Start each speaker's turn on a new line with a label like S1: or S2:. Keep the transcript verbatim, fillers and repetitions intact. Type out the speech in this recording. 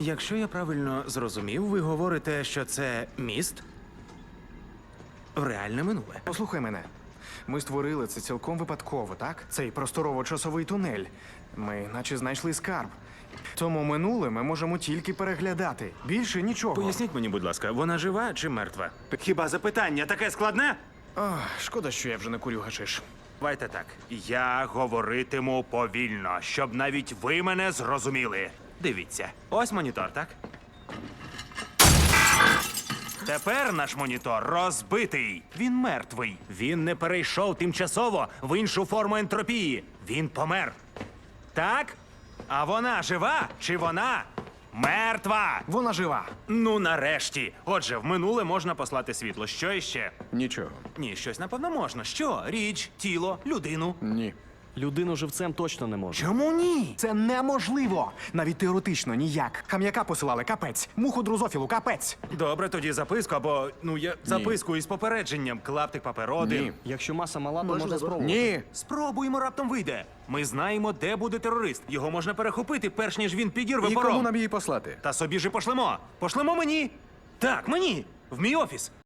S1: Якщо я правильно зрозумів, ви говорите, що це міст в реальне минуле.
S2: Послухай мене. Ми створили це цілком випадково, так? Цей просторово-часовий тунель. Ми наче знайшли скарб. Тому минуле ми можемо тільки переглядати. Більше нічого.
S1: Поясніть мені, будь ласка, вона жива чи мертва? Хіба запитання таке складне?
S2: Ах, шкода, що я вже не курю гашиш.
S1: Давайте так. Я говоритиму повільно, щоб навіть ви мене зрозуміли. Дивіться, ось монітор, так? Тепер наш монітор розбитий. Він мертвий. Він не перейшов тимчасово в іншу форму ентропії. Він помер. Так? А вона жива чи вона мертва?
S2: Вона жива.
S1: Ну, нарешті. Отже, в минуле можна послати світло. Що іще?
S2: Нічого.
S1: Ні, щось напевно можна. Що? Річ, тіло, людину.
S2: Ні.
S3: Людину живцем точно не може.
S2: Чому ні? Це неможливо. Навіть теоретично ніяк. Хам'яка посилали капець. Муху дрозофілу капець.
S1: Добре, тоді записку або, ну, я записку із попередженням. Клаптик паперу один.
S2: Ні.
S3: Якщо маса мала, то можна спробувати.
S2: Ні.
S1: Спробуємо, раптом вийде. Ми знаємо, де буде терорист. Його можна перехопити, перш ніж він підірве
S2: І
S1: пором.
S2: кому нам її послати?
S1: Та собі ж і пошлемо. Пошлемо мені. Так, мені. В мій офіс.